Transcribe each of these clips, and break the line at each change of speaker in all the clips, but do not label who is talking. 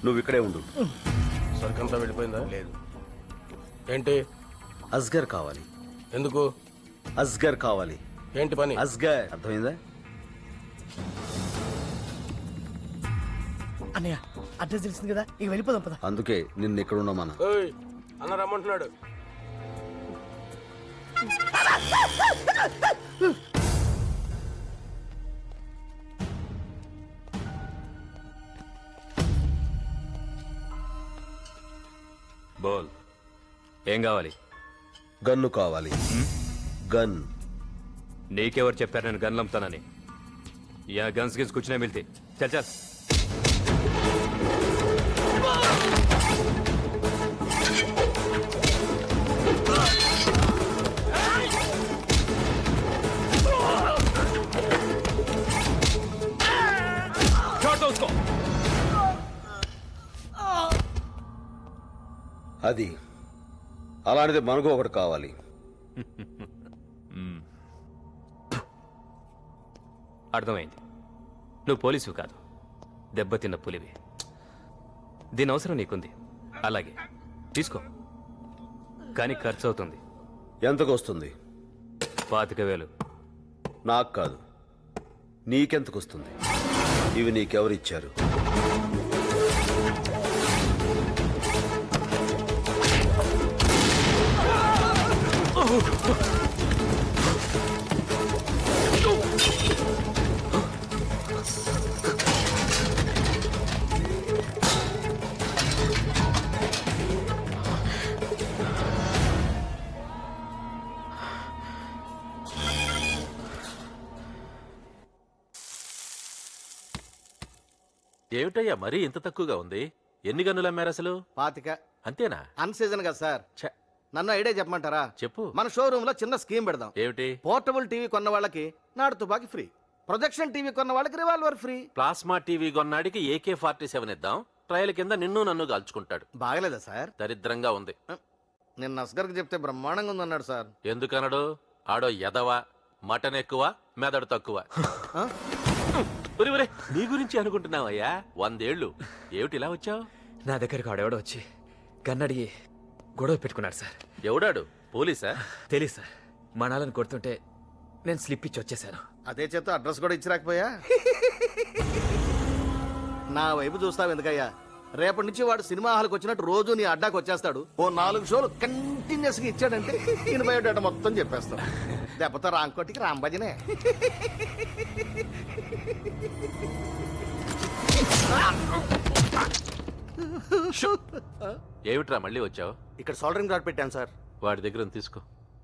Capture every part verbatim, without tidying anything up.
నువ్వు ఇక్కడే ఉండు.
సరికంతా వెళ్ళిపోయిందా?
లేదు.
ఏంటి?
అస్గర్ కావాలి.
ఎందుకు?
అస్గర్ కావాలి.
ఏంటి పని?
అస్గర్ అర్థమైందా?
అన్నయ్య అడ్రస్ తెలిసింది కదా, ఇక వెళ్ళిపోదాం పద.
అందుకే నిన్ను ఇక్కడ ఉండమన్నా.
ఏయ్, అన్న రమ్మంటున్నాడు.
బోల్, ఏం కావాలి?
గన్ను కావాలి. గన్.
నీకెవరు చెప్పారు నేను గన్లు అమ్ముతానని? యా గన్స్ గిన్స్ కూర్చునే మిల్తే చల్ చల్.
అది అలాంటిది మనకు ఒకటి కావాలి.
అర్థమైంది, నువ్వు పోలీసు కాదు, దెబ్బతిన్న పులివి. దీని అవసరం నీకుంది, అలాగే తీసుకో, కానీ ఖర్చు అవుతుంది.
ఎంతకు వస్తుంది?
పాతిక వేలు.
నాకు కాదు, నీకెంతకు వస్తుంది? ఇవి నీకెవరిచ్చారు?
ఏమిటయ్యా మరీ ఇంత తక్కువగా ఉంది? ఎన్ని గన్నులు అమ్మారు అసలు?
పాతిక.
అంతేనా?
అన్ సీజన్ కదా సార్.
ఛ,
నన్ను ఐడియా చెప్పమంటారా?
చెప్పు.
మన షోరూమ్ లో చిన్న స్కీమ్ పెడదాం.
ఏమిటి?
పోర్టబుల్ టీవీ కొన్న వాళ్ళకి నాడు తుపాకి ఫ్రీ, ప్రొజెక్షన్ టీవీ కొన్న వాళ్ళకి రివాల్వర్ ఫ్రీ.
ప్లాస్మా టీవీ కొన్నాడికి ఏకే ఫార్టీ సెవెన్ ఇద్దాం, ట్రయల్ కింద నిన్ను నన్ను కాల్చుకుంటాడు.
బాగలేదా సార్?
దరిద్రంగా ఉంది.
నిన్న అస్గర్కి చెప్తే బ్రహ్మాండంగా ఉందన్నాడు సార్.
ఎందుకనడు? ఆడో ఎదవ, మటన్ ఎక్కువ, మెదడు తక్కువ.
ఆ?
ఒరే ఒరే, నీ గురించి అనుకుంటున్నావయ్యా. వందేళ్లు ఏమిటి ఇలా వచ్చావు?
నా దగ్గరకు ఆడెవడో వచ్చి గన్నడిగి గొడవ పెట్టుకున్నాడు సార్.
ఎవడాడు? పోలీసా?
తెలీదు సార్, మనాలను కొడుతుంటే నేను స్లిప్ ఇచ్చి వచ్చేసాను.
అదే చేత అడ్రస్ కూడా ఇచ్చిరాకపోయా? నా వైపు చూస్తావు ఎందుకయ్యా? రేపటి నుంచి వాడు సినిమా హాల్కి వచ్చినట్టు రోజు నీ అడ్డాకి వచ్చేస్తాడు. ఓ నాలుగు షోలు కంటిన్యూస్ గా ఇచ్చాడంటే ఈయన బయోడేటా మొత్తం చెప్పేస్తాడు. దెబ్బతో రాంకోటికి రాంబజనే.
ఏమిట్రా మళ్ళీ వచ్చావు?
ఇక్కడ సోల్డరింగ్ రాడ్ పెట్టాను సార్.
వాడి దగ్గర ఉంది, తీసుకో.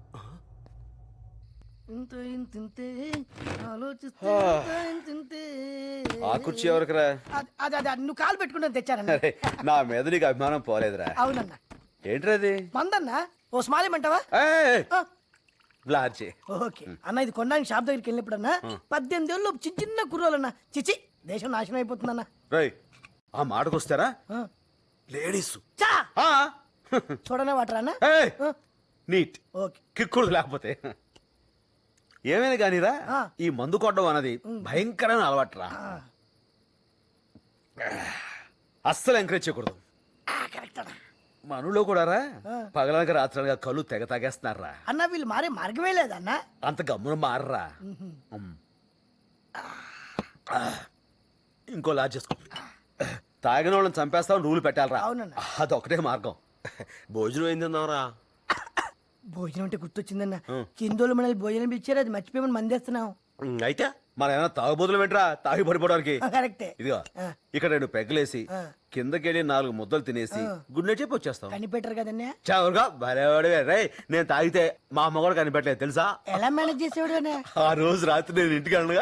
ఆ కుర్చీ ఎవరికిరా?
అదే అదే నువ్వు కాలు పెట్టుకుంటే తెచ్చానన్న.
అరే, నా మీద నీకు అభిమానం పోలేదురా.
అవునన్నా.
ఏంట్రా అది?
మందన్నా ఓ స్మాల్ ఇమ్మంటావా?
ఏయ్, బ్లార్జీ.
ఓకే అన్న, ఇది కొనడానికి షాప్ దగ్గరికి వెళ్ళినప్పుడన్నా పద్దెనిమిది ఏళ్ళు చిన్న చిన్న కుర్రోలన్నా చిచి దేశం నాశనం అయిపోతుందన్నా.
రేయ్, ఆ మాటకొస్తారా లేడీస్
చా చూడనే వాటరా అన్న.
నీట్
ఓకే
కిక్కుడు లేకపోతే ఏమైనా కానీరా, ఈ మందు కొట్టడం అన్నది భయంకరమైన అలవాటురా. అస్సలు ఎంకరేజ్ చేయకూడదు. మనలో కూడా రా పగలనక రాత్రలుగా కళ్ళు తెగ తాగేస్తున్నారా
అన్న. వీళ్ళు మారే మార్గమే లేదన్నా.
అంత గమ్మున మారరా. ఇంకో లాజ్ చేసుకో. తాగిన వాళ్ళని చంపేస్తామని రూలు పెట్టాలరా. అదొకటే మార్గం. భోజనం ఏం తిందాంరా?
భోజనం అంటే గుర్తొచ్చిందన్న, కిందోళ్ళు మనల్ని భోజనం ఇచ్చారు, అది మర్చిపోయి మందేస్తున్నాం.
అయితే మన ఏమైనా తాగుబోతులు పెట్టరా తాగి పడిపోవడానికి?
కరెక్టే.
ఇదిగో ఇక్కడ రెండు పెగ్గలేసి కిందకెళ్ళి నాలుగు ముద్దలు తినేసి గుడ్ నైట్ చెప్పి వచ్చేస్తాం.
కనిపెట్టరు కదన్నా.
చవరుగా భలేవాడివే రే. నేను తాగితే మా అమ్మ కూడా కనిపెట్టలేదు తెలుసా?
ఎలా మేనేజ్ చేసేవాడు?
ఆ రోజు రాత్రి నేను ఇంటికి అనగా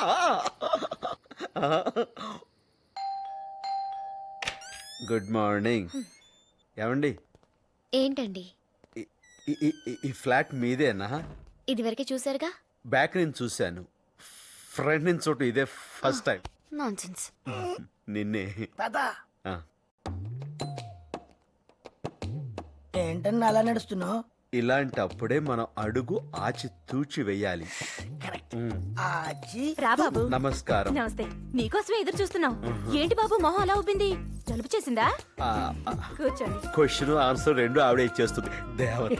గుడ్ మార్నింగ్. ఏమండి?
ఏంటండి?
ఈ ఫ్లాట్ మీదేనా?
ఇది వరకే చూసారుగా.
బ్యాక్ నుంచి చూశాను, ఫ్రంట్ నుంచి చోటు ఇదే ఫస్ట్ టైం.
నాన్సెన్స్.
నిన్నే.
ఏంటన్నా అలా నడుస్తున్నావు?
ఇలాంటప్పుడే మనం అడుగు ఆచి తూచి వెయ్యాలి.
ఆచి
రా బాబు.
నమస్కారం.
నమస్తే. నీకోసమే ఎదురు చూస్తున్నాం. ఏంటి బాబు మొహం అలా ఉబ్బింది? జలుబు చేసిందా? కూర్చోండి.
క్వశ్చన్ ఆన్సర్ రెండు ఆవిడ ఇచ్చేస్తుంది దేవత.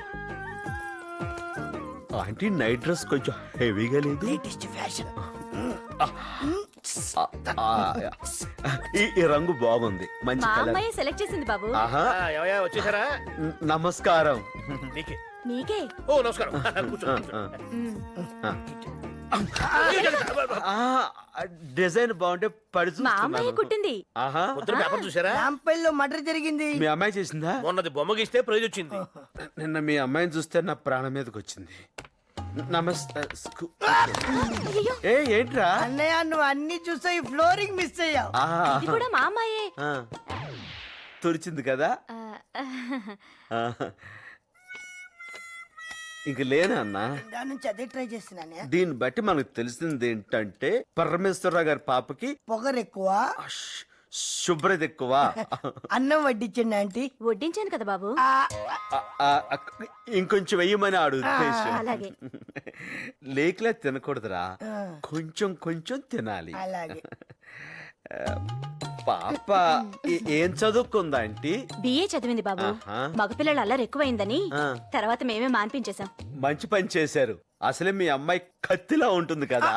ఆంటీ నైట్ డ్రెస్ కొంచెం హెవీగా లేదు?
Latest fashion.
ఆ, ఈ ఈ రంగు బాగుంది, మంచి
మా
కలర్.
అమ్మాయి సెలెక్ట్ చేసింది బాబు.
ఆహా,
ఏమయ్యా వచ్చేసారా?
న- నమస్కారం.
నీకే.
నీకే.
ఓ నమస్కారం. కూర్చో,
ఆ,
కూర్చో.
ఆ. ఆ, డిజైన్ బాగుంటే పడి
మా అమ్మాయి
చూస్తున్నాను.
కుట్టింది.
ఆహా,
పొద్దున పేపర్ చూసారా?
రాంపల్లిలో మర్డర్ జరిగింది.
మీ అమ్మాయి చేసిందా?
మొన్నది బొమ్మగిస్తే ప్రైజ్ వచ్చింది.
నిన్న మీ అమ్మాయిని చూస్తే నా ప్రాణం మీదకి వచ్చింది. నమస్తే. స్కూ- ఏ ఏంట్రా?
అన్నయ్య నువ్వు అన్ని చూసా ఈ ఫ్లోరింగ్ మిస్ అయ్యావు.
ఆ,
ఇది కూడా మా అమ్మాయే.
ఆ. తుడిచింది కదా.
ఆ,
ఆ. ఇంక లేనా అన్నా?
దాని నుంచి అదే ట్రై చేస్తున్నానే.
దీన్ని బట్టి మనకు తెలిసింది ఏంటంటే పరమేశ్వరరావు గారి పాపకి
పొగరు ఎక్కువ,
శు- శుభ్రత ఎక్కువ.
అన్నం వడ్డించండి ఆంటీ.
వడ్డించాను కదా బాబు.
ఆ,
ఆ, ఆ, ఆ, ఇంకొంచెం వెయ్యమని ఆడు ఉద్దేశం.
అలాగే.
లేకలే తినకూడదురా, కొంచెం కొంచెం తినాలి.
అలాగే.
పాప ఏ- ఏం చదువుకుందా ఆంటీ?
బిఏ చదివింది బాబు.
ఆహా.
మగపిల్లలు అల్లరి ఎక్కువైందని
ఆ.
తర్వాత మేమే మాన్పించేశాం.
మంచి పని చేశారు. అసలే మీ అమ్మాయి కత్తిలా ఉంటుంది కదా.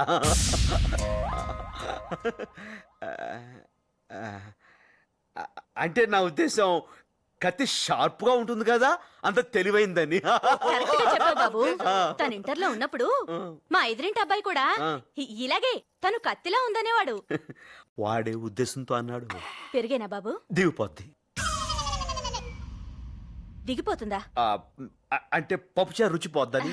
ఆ, అంటే నా ఉద్దేశం కత్తి షార్ప్ గా ఉంటుంది కదా, అంత తెలివైందని.
కరెక్ట్ గా చెప్పావు బాబు. తను ఇంటర్ లో ఉన్నప్పుడు మా ఎదురింటి అబ్బాయి కూడా ఇ- ఇలాగే తను కత్తిలా ఉందనేవాడు.
వాడే ఉద్దేశంతో అన్నాడు.
పెరిగేనా బాబు?
దిగిపోద్ది.
దిగిపోతుందా?
ఆ, అ- అంటే పప్పుచారు రుచి పోద్దని.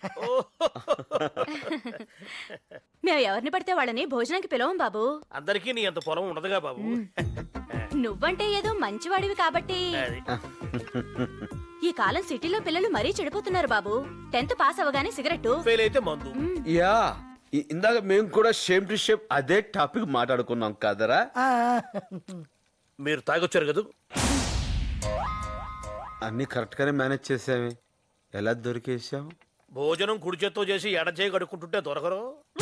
మేము ఎవరిని పడితే వాళ్ళని భోజనానికి పిలవం బాబు.
అందరికీ నీ అంత పొలం ఉండదుగా బాబు.
నువ్వంటే ఏదో మంచివాడివి కాబట్టి.
అది.
ఈ కాలం సిటీలో పిల్లలు మరీ చెడిపోతున్నారు బాబు. టెన్త్ పాస్ అవగానే సిగరెట్.
ఫెయిల్ అయితే మందు.
యా, ఇ- ఇందాక మేము కూడా షేమ్ టు షేమ్ అదే టాపిక్ మాట్లాడుకున్నాం కదరా.
ఆ,
మీరు తాగొచ్చారు కదా.
అన్ని కరెక్ట్ గానే మేనేజ్ చేసామే, ఎలా దొరికేసాం?
భోజనం కుడి చేత్తో చేసి ఎడ చేయి కడుక్కుంటుంటే దొరకరు.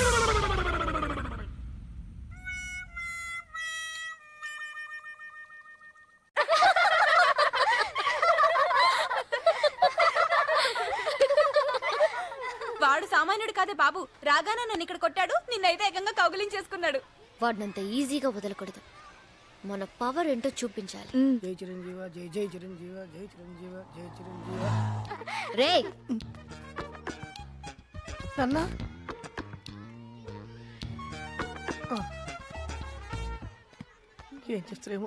వాడు సామాన్యుడు కాదే బాబు. రాగానే నన్ను ఇక్కడ కొట్టాడు, నిన్నైతే ఏకంగా కౌగులించేసుకున్నాడు.
వాడినంత ఈజీగా వదలకూడదు. మన పవర్ ఏంటో చూపించాలి.
జై చిరంజీవ, జై జై చిరంజీవ, జై చిరంజీవ, జై చిరంజీవ.
రే
అన్న ఏం చేస్తారేమో.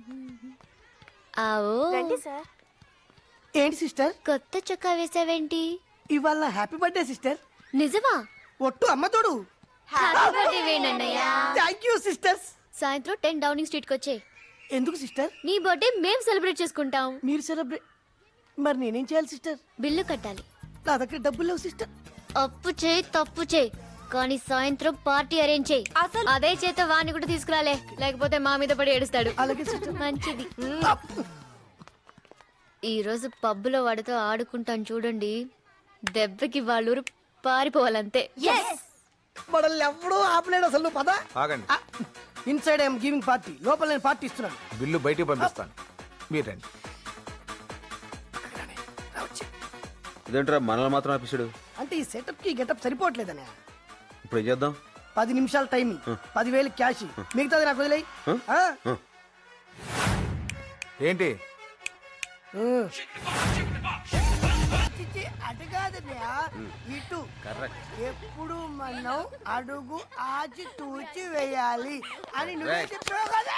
ఆవో.
ఏంటి సిస్టర్,
కొత్త చొక్కా వేసావేంటి?
ఇవాళ నా హ్యాపీ బర్త్డే సిస్టర్.
నిజమా?
ఒట్టు అమ్మ తోడు.
హ్యాపీ బర్త్డే వేణన్నయ్య.
Thank you sisters.
సాయంత్రం టెన్ డౌనింగ్ స్ట్రీట్ కి వచ్చే.
ఎందుకు సిస్టర్?
నీ బర్త్డే మేం సెలబ్రేట్ చేసుకుంటాం.
మీరు సెలబ్రేట్, మరి నేనేం చేయాలి సిస్టర్?
బిల్లు కట్టాలి.
నా దగ్గర డబ్బులు లేవు సిస్టర్.
అప్పు చేయి తప్పు చేయి, కానీ సాయంత్రం పార్టీ అరేంజ్ చేయి.
అసలు
అదే చేత వాణ్ణి కూడా తీసుకురాలే, లేకపోతే మా మీద పడి ఏడుస్తాడు.
అలాగే సిస్టర్.
మంచిది. ఈ రోజు పబ్బులో వాడితో ఆడుకుంటాను చూడండి, దెబ్బకి వాళ్ళూరు పారిపోవాలంతే.
మనల్ని ఎప్పుడూ ఆపలేడు అసలు. నువ్వు పద.
ఆగండి.
ఇన్సైడ్ ఐఎమ్ గివింగ్ పార్టీ, లోపల నేను పార్టీ ఇస్తున్నాను.
బిల్లు బయటికి పంపిస్తాను, మీరు రండి.
ఇదేంట్రా మనల్ని మాత్రం ఆపిస్తాడు?
అంటే ఈ సెటప్ కి గెటప్ సరిపోవట్లేదనే.
ఇప్పుడు ఏం చేద్దాం?
పది నిమిషాల టైమింగ్, పదివేలు క్యాష్, మిగతాది నాకు వదిలేయి.
ఏంటి
అటు కాదన్నయ్య, ఇటు. ఎప్పుడు మనం అడుగు ఆచి తూచి వేయాలి అని నువ్వే చెప్పావు కదా.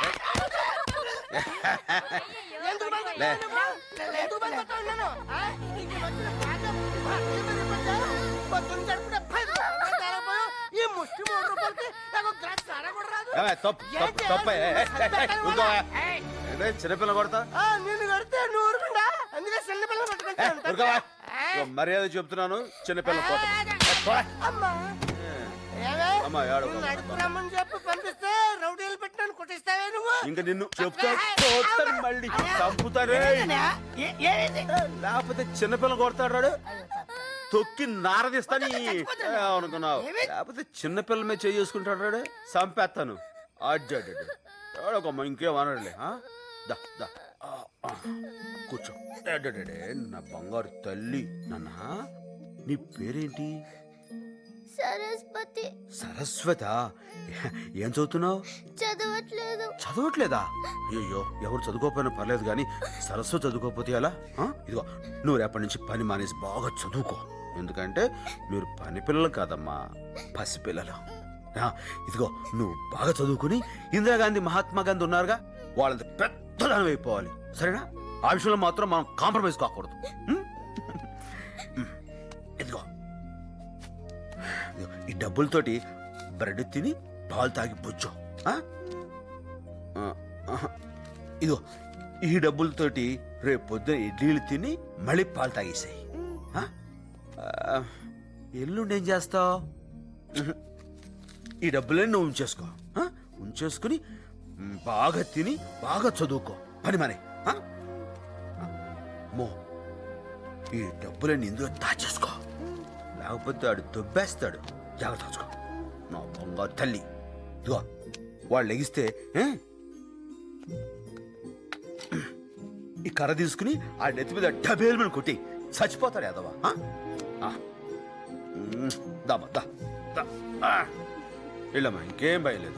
ఎందుకు భయపడ్డావు? ఎందుకు భయపడ్డావు నన్ను? ఆ? ఇంక మధ్యలో బాగా భయపడ్డావు. పొద్దున్న జరుపుకునే భయపడ్డావు. తారపోయావు. ఈ ముష్టి మూడు రూపాయలకి నాకు ఒక గ్లాస్ సారా కూడా రాదు.
ఏమే, తప్పు, తప్పు, తప్పే. ఏ, ఏ, ఏ, ఏ, ఊరుకోవా? ఏంటే చిన్నపిల్ల కొడతా?
ఆ, నిన్ను కడితే నువ్వు ఊరుకుండా, అందుకే చిన్న పిల్లలు పట్టుకుంటాను.
ఊరుకోవా? ఇగో మర్యాద చెప్తున్నాను, చిన్నపిల్ల కోత.
అమ్మా ఏమే
అమ్మా ఏడవ
నడుపురమ్మని చెప్పి పంపిస్తే రౌడీలు పెట్టినాను కొట్టిస్తావే నువ్వు
ఇంకా నిన్ను చెప్తా కొడతాను మళ్ళీ చంపుతారే
ఏ- ఏమైంది?
లేకపోతే చిన్నపిల్ల కొడతాడు రాడు తొక్కి నారదిస్తాని అనుకున్నావు లేకపోతే చిన్నపిల్ల మీద చేసుకుంటాడు రాడు చంపేస్తాను అడ్డాడు ఏడవకమ్మా ఇంకేం అనడులే ఆ? దా దా ఆ, ఆ. కూర్చో అడ్డాడే నా బంగారు తల్లి నాన్న నీ పేరేంటి
సరస్వతి
సరస్వత ఏం చదువుతున్నావు
చదవట్లేదు.
చదవట్లేదా అయ్యో ఎవరు చదువుకోకపోయినా పర్లేదు కానీ సరస్వతి చదువుకోకపోతే ఎలా ఆ? ఇదిగో నువ్వు రేపటి నుంచి పని మానేసి బాగా చదువుకో ఎందుకంటే మీరు పని పిల్లలు కాదమ్మా పసిపిల్లలు ఆ, ఇదిగో నువ్వు బాగా చదువుకుని ఇందిరాగాంధీ మహాత్మా గాంధీ ఉన్నారుగా వాళ్ళంత పెద్దదానం అయిపోవాలి సరేనా ఆ విషయంలో మాత్రం మనం కాంప్రమైజ్ కాకూడదు ఉం? ఇదిగో ఇదిగో, ఈ డబ్బులతోటి బ్రెడ్ తిని పాలు తాగి బుజ్జో ఆ? ఆ, ఆహా. ఇదిగో ఈ డబ్బులతోటి రేపు పొద్దున ఇడ్లీలు తిని మళ్ళీ పాలు తాగేసాయి ఎల్లుండి ఏం చేస్తావు ఈ డబ్బులన్నీ నువ్వు ఉంచేసుకో ఆ? ఉంచేసుకుని మ్, బాగా తిని బాగా చదువుకో పని మనే ఆ? ఆ, మో ఈ డబ్బులన్నీ ఇందులో దాచేసుకో లేకపోతే ఆడు దొబ్బేస్తాడు జాగ్రత్త చూసుకో నా బంగారు తల్లి ఇదిగో వాళ్ళు లెగిస్తే ఏ? ఈ కర్ర తీసుకుని ఆ నెత్తి మీద డబేలు మీద కొట్టి చచ్చిపోతాడు యాదవా ఆ? ఆ. ఉమ్, దామా దా దా. ఆ. వెళ్ళమ్మా ఇంకేం భయలేదు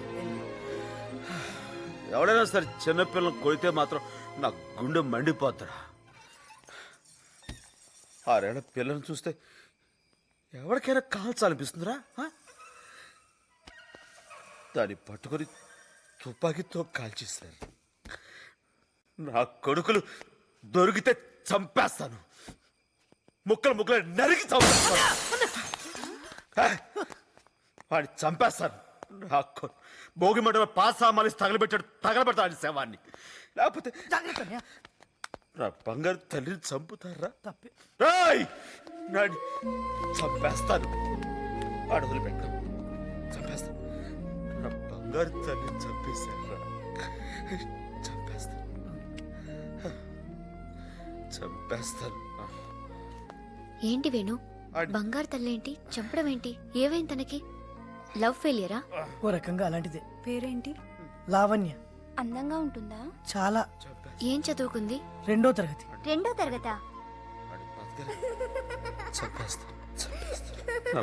ఎవడైనా సరే చిన్నపిల్లలు కొడితే మాత్రం నా గుండె మండిపోతారా ఆరేళ్ళ పిల్లల్ని చూస్తే ఎవరికైనా కాల్చాలనిపిస్తుందిరా ఆ? దాన్ని పట్టుకొని తుపాకీతో కాల్చేశారు నా కొడుకులు దొరికితే చంపేస్తాను ముక్కలు ముక్కలు నరికి చంపేస్తాను ఆ? వాడిని చంపేస్తాను నా కొ- భోగి మంట పాసామాలి తగలబెట్టాడు తగలబెడతాడు శవాన్ని లేకపోతే
జాగ్రత్త అన్నయ్య.
నా బంగారు తల్లిని చంపుతారా
తప్పే.
రాయ్ నాడి చంపేస్తాను వాడు వదిలిపెట్టు చంపేస్తాను నా బంగారు తల్లిని చంపేశారా చంపేస్తాను చంపేస్తాను
ఏంటి వేణు
ఆడి-
బంగారు తల్లేంటి చంపడం ఏంటి ఏవైంది తనకి లవ్ ఫెయిలియరా?
ఓ రకంగా అలాంటిదే.
పేరేంటి?
లావణ్య
అందంగా ఉంటుందా?
చాలా
ఏం చదువుకుంది?
రెండో తరగతి.
రెండో తరగతా?
వాడి బతకలే. చంపేస్తాను చంపేస్తాను నా